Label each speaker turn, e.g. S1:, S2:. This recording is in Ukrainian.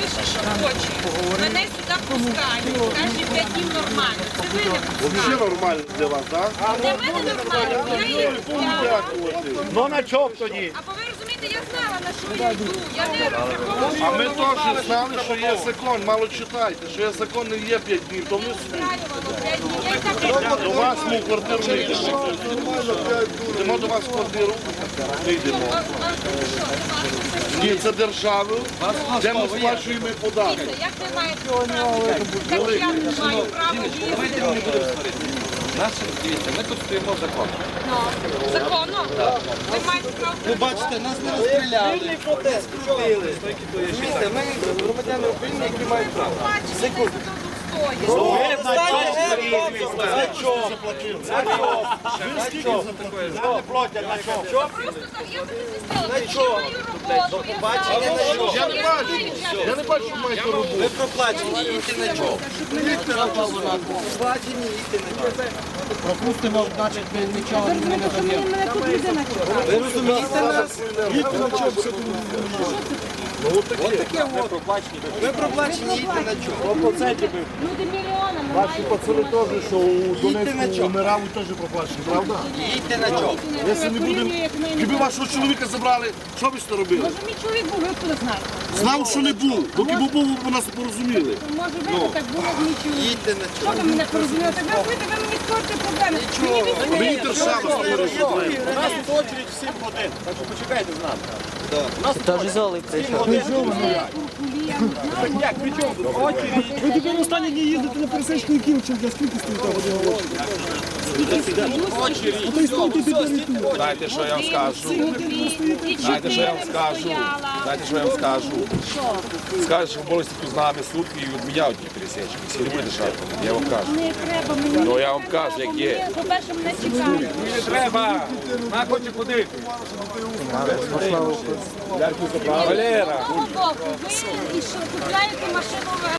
S1: пише, що хоче. Мене сюди пускають. Каже, 5 днів нормально. Це ви не пускаєте.
S2: Взагалі нормально для вас, так?
S1: Для мене нормально. Я її купляла.
S2: Дякувати.
S3: Ну на чому тоді?
S1: Або ви розумієте, я знала, на що я йду. Я не розраховувала,
S2: А ми теж знали, що є закон. Мало читайте, що є закон не є 5 днів. То ми
S1: устраювала 5 днів. Я і так
S2: до вас ми в квартиру не йдемо. Йдемо до вас в квартиру, не йдемо. Ні, це держава, де ми сплачуємо податки.
S1: Як ви маєте право? Як я не маю права їздити?
S4: Дивіться, ми тут стоїмо в законі.
S1: Ну, законно? Ви маєте право.
S4: Ви бачите, нас не розстріляли. Вільний протест провели. Розумієте, ми громадяни України, які мають право.
S1: Секунду.
S3: Не платять на чому?
S1: Просто так, я би не сказала, я маю роботу, я знаю,
S2: Я не бачу, що маєте роботу.
S4: Ви проплачені, їдьте на чому. Проплачені, їдьте на чому.
S3: Пропустимо, значить, ми нічого не даємо.
S4: Ви розумієте нас?
S2: Їдьте на чому. Ну, от таке.
S4: Ви проплачені, їдьте на чому.
S1: люди мільйонами
S2: Ваші пацани теж, що у Донецьку умирали, теж проплачені, правда?
S4: Їдьте на чому.
S2: Якщо не будемо, якби вашого чоловіка забрали, що ви сте робили?
S1: Може, мій чоловік був, ви откуда знаєте?
S2: Знав, що не був, доки був, ви нас порозуміли.
S1: Може, ви так було б мій чоловік.
S4: Їдьте на
S1: Що
S4: чому.
S1: ви мене порозуміли? Так ви розумієте, ви мені створюєте проблеми.
S2: Мені держава створює.
S3: У нас тут очередь в 7 годин, так що почекайте з нами.
S5: Та ж золи прийшов.
S3: Як, при чому тут? Очередь.
S6: Ви тепер останні дні їздите на пересечку Київченка, скільки стоїте годину в очі? А то й стойте тепер і тут.
S7: Знаєте, що я вам скажу? Знаєте, що я вам скажу? Знаєте, що я вам скажу? Скажуть, що були тут з нами сутки і відміняють ті пересечки. Всі не буде шарпати. Я вам кажу.
S1: Не треба мені.
S7: Ну я вам кажу, як є.
S1: По-перше, мене цікавить.
S7: Не треба. На хоче ходити. Валера.
S1: З того боку, ви і що, купляєте машину